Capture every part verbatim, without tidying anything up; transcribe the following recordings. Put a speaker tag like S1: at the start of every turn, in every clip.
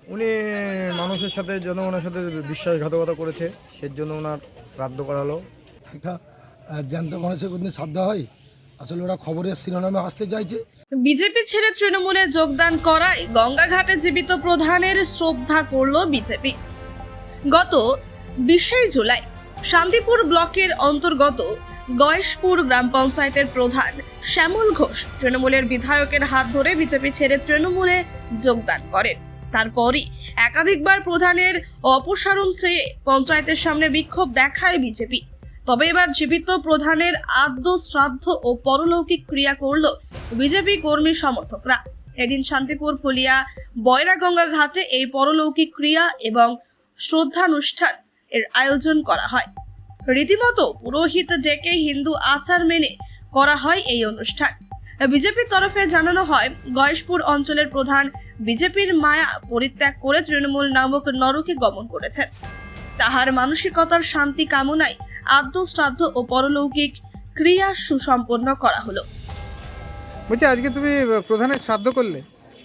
S1: উনি মানুষের সাথে জনগণের সাথে বিশ্বাসঘাতকতা করেছে, সেজন্য ওনার শ্রাদ্ধ করা হলো।
S2: একটা আহ, জ্যান্ত মানুষের কোনদিন শ্রদ্ধা হয়? আসলে ওরা খবরের শিরোনামে আসতে চাইছে।
S3: বিজেপি ছেড়ে তৃণমূলে যোগদান করায় গঙ্গাঘাটে জীবিত প্রধানের শ্রদ্ধা করল বিজেপি। গত বিশে জুলাই শান্তিপুর ব্লকের অন্তর্গত গয়েশপুর গ্রাম পঞ্চায়েতের প্রধান শ্যামল ঘোষ তৃণমূলের বিধায়কের হাত ধরে বিজেপি ছেড়ে তৃণমূলে যোগদান করেন। তারপরই একাধিকবার প্রধানের অপসারণ চেয়ে পঞ্চায়েতের সামনে বিক্ষোভ দেখায় বিজেপি। তবে এবার জীবিত প্রধানের আদ্য শ্রাদ্ধ ও পরলৌকিক ক্রিয়া করল বিজেপি কর্মী সমর্থকরা। এদিন শান্তিপুর ফুলিয়া বয়রাগঙ্গা ঘাটে এই পরলৌকিক ক্রিয়া এবং শ্রদ্ধানুষ্ঠান এর আয়োজন করা হয়। রীতিমতো পুরোহিত ডেকে হিন্দু আচার মেনে করা হয় এই অনুষ্ঠান। বিজেপির তরফে জানানো হয়, গয়েশপুর অঞ্চলের প্রধান বিজেপির মায়া পরিত্যাগ করে তৃণমূল নামক নরকে গমন করেছেন। তাহার মানসিকতার শান্তি কামনায় আদ্য শ্রাদ্ধ ও পরলৌকিক ক্রিয়া সুসম্পন্ন করা হলো।
S4: বলছি, আজকে তুমি প্রধানের শ্রাদ্ধ করলে?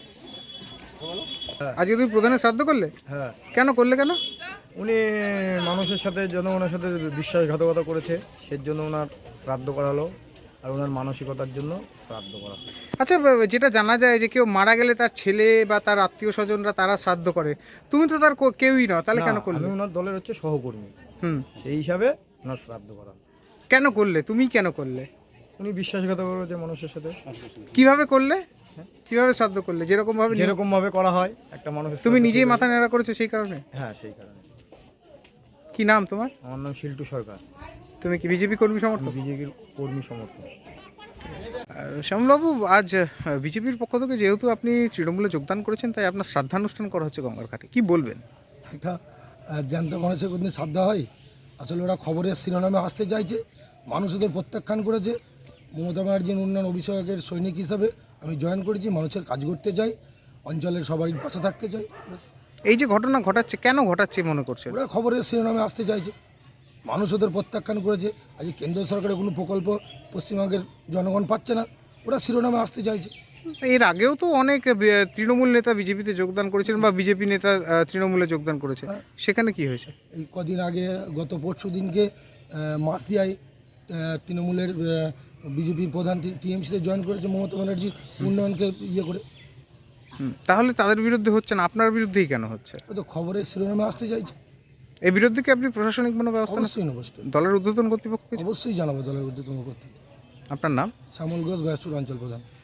S4: আজকে তুমি প্রধানের শ্রাদ্ধ করলে?
S1: হ্যাঁ,
S4: কেন করলে? কেন?
S1: উনি মানুষের সাথে জনগণের সাথে বিশ্বাসঘাতকতা করেছে, সেজন্য ওনার শ্রাদ্ধ করা হলো, আর ওনার মানসিকতার জন্য শ্রাদ্ধ করা হলো।
S4: আচ্ছা, যেটা জানা যায় যে কেউ মারা গেলে তার ছেলে বা তার আত্মীয় স্বজনরা তারা শ্রাদ্ধ করে, তুমি তো তার কো- কেউই না, তাহলে কেন
S1: না,
S4: করলে?
S1: আমি ওনার দলের হচ্ছে সহকর্মী,
S4: হুম
S1: সেই হিসাবে ওনার শ্রাদ্ধ করা হলো।
S4: কেন করলে? তুমি কেন করলে?
S1: উনি বিশ্বাসঘাতকতা করেছে মানুষের সাথে।
S4: কিভাবে করলে? কিভাবে শ্রাদ্ধ করলে? যেরকম ভাবে
S1: যেরকম ভাবে করা হয় একটা মানুষের,
S4: তুমি
S1: শ্রাদ্ধ
S4: নিজেই
S1: সেভাবে-
S4: মাথা নেড়া করেছো সেই কারণে?
S1: হ্যাঁ, সেই কারণে।
S4: কি নাম তোমার?
S1: আমার নাম শিল্টু সরকার,
S4: তুমি কি বিজেপি কর্মী সমর্থক?
S1: বিজেপির কর্মী সমর্থক।
S4: শ্যামলবাবু, আজ বিজেপির পক্ষ থেকে যেহেতু আপনি তৃণমূলে যোগদান করেছেন, তাই আপনার শ্রাদ্ধানুষ্ঠান করা হচ্ছে গঙ্গার ঘাটে, কি বলবেন?
S2: একটা আহ, জ্যান্ত মানুষের কোনদিন শ্রদ্ধা হয়? আসলে ওরা খবরের শিরোনামে আসতে চাইছে। মানুষ ওদের প্রত্যাখ্যান করেছে। মমতা ব্যানার্জির উন্নয়ন অভিষেকের সৈনিক হিসাবে আমি জয়েন করেছি। মানুষের কাজ করতে চাই, অঞ্চলের সবারই পাশে থাকতে চাই। ব্যাস।
S4: এই যে ঘটনা ঘটাচ্ছে, কেন ঘটাচ্ছে মনে করছেন?
S2: ওরা খবরের শিরোনামে আসতে চাইছে। মানুষ ওদের প্রত্যাখ্যান করেছে। আজ কেন্দ্র সরকারের কোনো প্রকল্প পশ্চিমবঙ্গের জনগণ পাচ্ছে না, ওরা শিরোনামে আসতে চাইছে।
S4: এর আগেও তো অনেক বি- তৃণমূল নেতা বিজেপিতে যোগদান করেছিলেন বা বিজেপি নেতা আহ, তৃণমূলে যোগদান করেছে,
S2: হ্যাঁ।
S4: সেখানে কি হয়েছে?
S2: এই কদিন আগে গত পরশু দিনকে মাসদিয়ায় তৃণমূলের বিজেপির প্রধান টিএমসিতে জয়েন করেছে মমতা ব্যানার্জি উন্নয়নকে ইয়ে করে।
S4: হুম, তাহলে তাদের বিরুদ্ধে হচ্ছে না, আপনার বিরুদ্ধেই কেন হচ্ছে?
S2: ও তো খবরের শিরোনামে আসতে চাইছে।
S4: এই বিরুদ্ধে কি আপনি প্রশাসনিক কোনো ব্যবস্থা নেন?
S2: অবশ্যই নেবো,
S4: দলের ঊর্ধ্বতন কর্তৃপক্ষ কিছু?
S2: অবশ্যই জানাবো দলের উদ্যোতন করতে।
S4: আপনার নাম?
S2: শ্যামল ঘোষ, গয়েশপুর অঞ্চল প্রধান।